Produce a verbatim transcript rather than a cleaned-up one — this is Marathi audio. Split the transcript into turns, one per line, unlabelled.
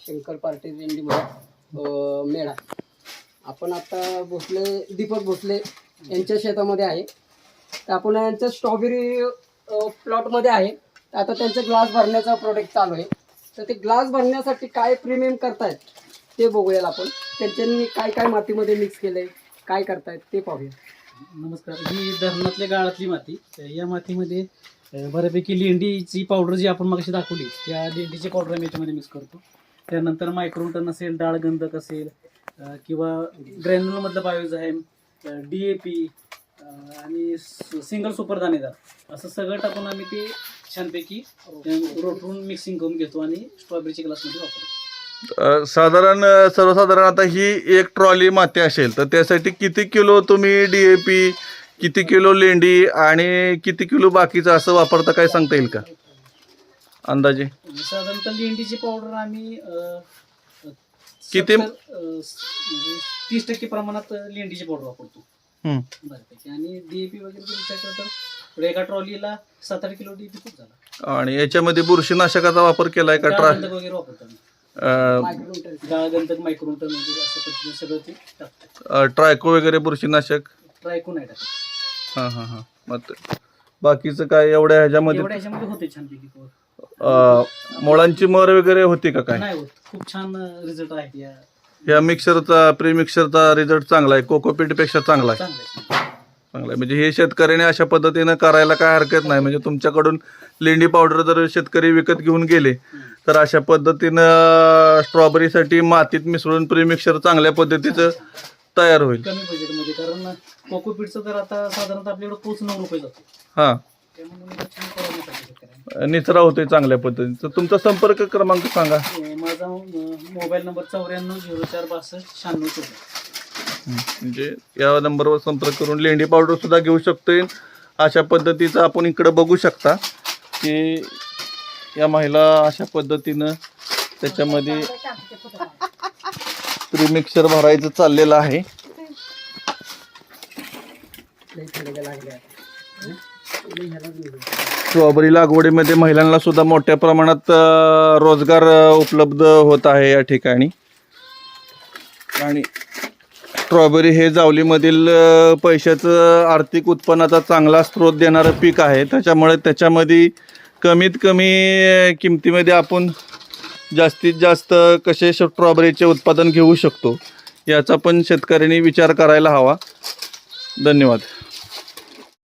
शंकर पार्टी रेंडीमध्ये मेळा. आपण आता भोसले दीपक भोसले यांच्या शेतामध्ये आहे. तर आपण यांच्या स्ट्रॉबेरी प्लॉटमध्ये आहे. तर आता त्यांचं ग्लास भरण्याचा प्रोडक्ट चालू आहे. तर ते ग्लास भरण्यासाठी काय प्रीमियम करतायत ते बघूया आपण. त्यांनी काय काय मातीमध्ये मिक्स केलंय, काय करतायत ते पाहूया.
नमस्कार. ही धरणातल्या गाळातली माती. या मातीमध्ये बऱ्यापैकी लेंडीची पावडर जी आपण मगाशी दाखवली त्या लेंडीची पावडर आम्ही याच्यामध्ये मिक्स करतो. त्यानंतर मायक्रोटन असेल, डाळ गंधक असेल किंवा ग्रॅन्युलमधलं बायोझाईम, डी ए पी आणि सिंगल सुपर दाणेदार असं सगळं टाकून आम्ही ते छानपैकी रोटून मिक्सिंग करून घेतो आणि स्ट्रॉबेरीच्या ग्लासमध्ये वापरतो.
साधारण सर्वसाधारण आता ही एक ट्रॉली माती असेल तर त्यासाठी किती किलो तुम्ही डीएपी, किती किलो लेंडी आणि किती किलो बाकीचं असं वापरता, काय सांगता येईल का अंदाजे?
साधारणतः लेंडीची पावडर आम्ही
किती
म्हणजे तीस टक्के प्रमाणात लेंडीची पावडर वापरतो बऱ्यापैकी. आणि डीएपी वगैरे विचार केला तर एका ट्रॉलीला सात आठ किलो डीएपी खूप झाला.
आणि याच्यामध्ये बुरशीनाशकाचा वापर केलाय का? ट्रा
वगैरे वापरतो आम्ही.
मायक्रोन्यूट्रन
मायक्रोन्यूट्रन वगैरे असं पद्धतीने सगळं ते टाकतो.
ट्रायको वगैरे बुरशीनाशक
ट्रायको नाही टाकत.
हां हां हां. मग बाकीचं काय एवढ्या ह्याच्यामध्ये
एवढ्या ह्याच्यामध्ये होते छानपैकी
मुळांची मर वगैरे होती का? काय
नाही होत. खूप छान रिझल्ट आहेत या
या मिक्सरचा, प्री मिक्सरचा रिझल्ट चांगला आहे, कोकोपीट पेक्षा चांगला आहे.
चांगल्या
चांगला आहे म्हणजे हे शेतकऱ्याने अशा पद्धतीनं करायला काय हरकत नाही. म्हणजे तुमच्याकडून लेंडी पावडर जर शेतकरी विकत घेऊन गेले तर अशा पद्धतीनं स्ट्रॉबेरीसाठी मातीत मिसळून प्री मिक्सर चांगल्या पद्धतीचं तयार होईल
कमी बजेटमध्ये. कारण कोकोपीटचं तर आता साधारणतः आपल्याकडे पोच नऊ रुपये जातो.
हां,
त्यामुळे छान परवडण्यासाठी शेतकऱ्यांना.
निचरा होतोय चांगल्या पद्धतीचं. तुमचा संपर्क क्रमांक सांगा.
माझा मोबाईल नंबर चौऱ्याण्णव झिरो चार बासष्ट शहाण्णव चौदा.
म्हणजे या नंबरवर संपर्क करून लेंडी पावडर सुद्धा घेऊ शकतोय. अशा पद्धतीचं आपण इकडं बघू शकता की या महिला अशा पद्धतीनं त्याच्यामध्ये प्रीमिक्सर भरायचं चाललेलं आहे. स्ट्रॉबेरी लागवडीमध्ये महिलांना सुद्धा मोठ्या प्रमाणात रोजगार उपलब्ध होत आहे या ठिकाणी. आणि स्ट्रॉबेरी हे जावलीमधील पैशाचं आर्थिक उत्पन्नाचा चांगला स्रोत देणारं पीक आहे. त्याच्यामुळे त्याच्यामध्ये कमीत कमी किमतीमध्ये आपण जास्तीत जास्त कसे स्ट्रॉबेरीचे उत्पादन घेऊ शकतो याचा पण शेतकऱ्यांनी विचार करायला हवा. धन्यवाद.